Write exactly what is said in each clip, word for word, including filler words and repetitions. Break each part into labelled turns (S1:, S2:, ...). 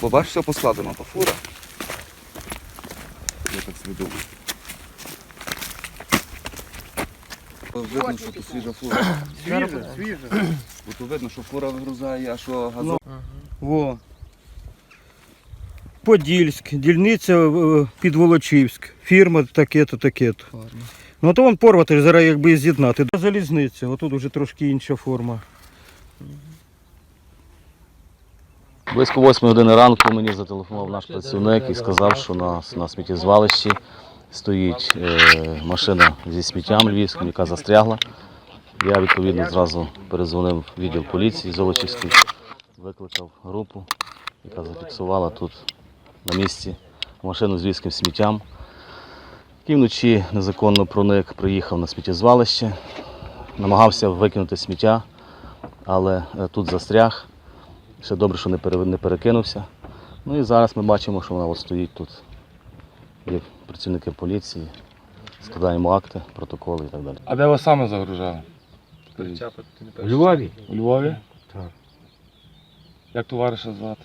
S1: бачиш, все поскладено, то фура. Я так собі думаю. Видно, що тут свіжа фура.
S2: Свіже, свіже.
S1: Тут видно, що фура вигрузає, а що газон.
S3: Во. Подільськ, дільниця е, Підволочівськ, фірма таке-то, таке-то. Ну то вон порвати, зараз якби з'єднати. Залізниця, отут вже трошки інша форма.
S4: Близько восьмої години ранку мені зателефонував наш працівник і сказав, що на, на сміттєзвалищі стоїть е, машина зі сміттям львівським, яка застрягла. Я відповідно зразу перезвонив в відділ поліції Золочівський, викликав групу, яка зафіксувала тут на місці машину з львівським сміттям. І вночі незаконно проник, приїхав на сміттєзвалище, намагався викинути сміття, але тут застряг. Ще добре, що не перекинувся. Ну і зараз ми бачимо, що вона от стоїть тут. Є працівники поліції, складаємо акти, протоколи і так далі.
S2: А де вас саме загружали?
S5: У Львові?
S2: У Львові?
S5: Так.
S2: Як товариша звати?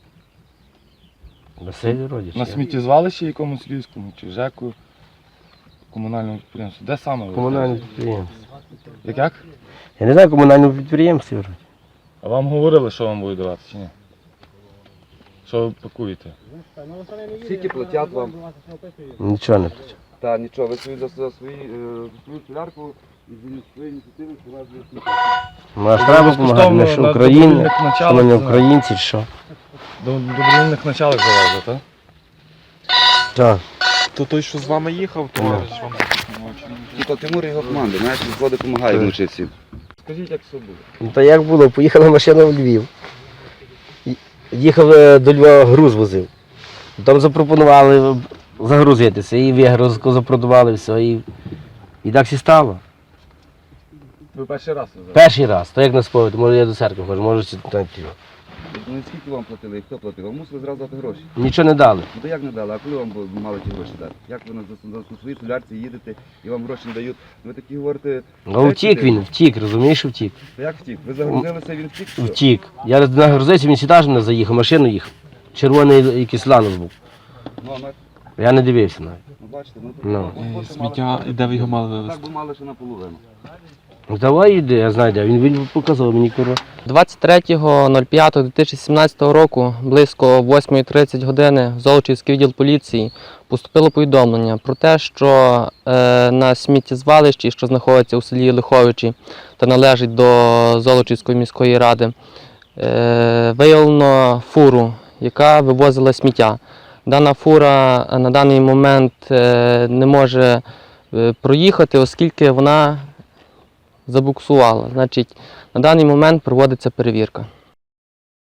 S5: Василь Родіч.
S2: На сміттєзвалищі якомусь львівському чи ЖЕКу, комунальному підприємстві? Де саме ви?
S5: Комунальне підприємство.
S2: Як як?
S5: Я не знаю, комунальному підприємстві вроді.
S2: А вам говорили, що вам будуть давати чи ні? Що ви пакуєте?
S1: Скільки платять вам?
S5: Нічого не плачу.
S1: Та нічого, ви свої, за, за свої, е, свою солярку і за свої ініціативи привезли сміття.
S5: Ну, а ж треба допомагати, ми що
S2: на
S5: Україна,
S2: добровільних
S5: що ми не
S2: началах,
S5: українці, чи що?
S2: До добровільних началах завезли, так?
S5: Так.
S6: То той, що з вами їхав, товариш вам
S1: Тільки Тимур і його команди, знаєш, він ходить, допомагає вночі всім.
S2: Скажіть, як все було?
S5: Ну то як було, поїхала машина в Львів. Ї- Їхав е, до Львова, груз возив. Там запропонували загрузитися, і вигрузку запропонували, все, і, і так всі стало.
S2: Ви перший раз везли?
S5: Перший раз, то як на сповідь, може я до церкви ходжу, може чи там тіло.
S1: Ну скільки вам платили і хто платив? Вам мусили зразу дати гроші.
S5: Нічого не дали.
S1: Ну то як не дали, а коли вам бу- мали ті гроші дати? Як ви на, на, на своїй солярці їдете і вам гроші не дають? Ви такі говорите,
S5: Ну втік він, втік, розумієш, що втік.
S1: то як втік? Ви загрузилися, він втік? що?
S5: Втік. Я нагрузився, він сюди ж не заїхав, машину їхав. Червоний якийсь ланос був.
S1: Ну, а ми,
S5: Я не дивився навіть.
S1: ну бачите, ну,
S5: Ну.
S1: ну, от, от,
S6: сміття,
S1: мали-
S6: і де ви його мали
S1: Так
S6: вивезти?
S1: би мали ще наполовину.
S5: Ну давай йди, я знаю, де. Він, він показав мені курва.
S7: двадцять третього п'ятого дві тисячі сімнадцятого року близько восьмої тридцять години в Золочівський відділ поліції поступило повідомлення про те, що е, на сміттєзвалищі, що знаходиться у селі Лиховичі та належить до Золочівської міської ради, е, виявлено фуру, яка вивозила сміття. Дана фура на даний момент е, не може е, проїхати, оскільки вона забуксувала. Значить, на даний момент проводиться перевірка.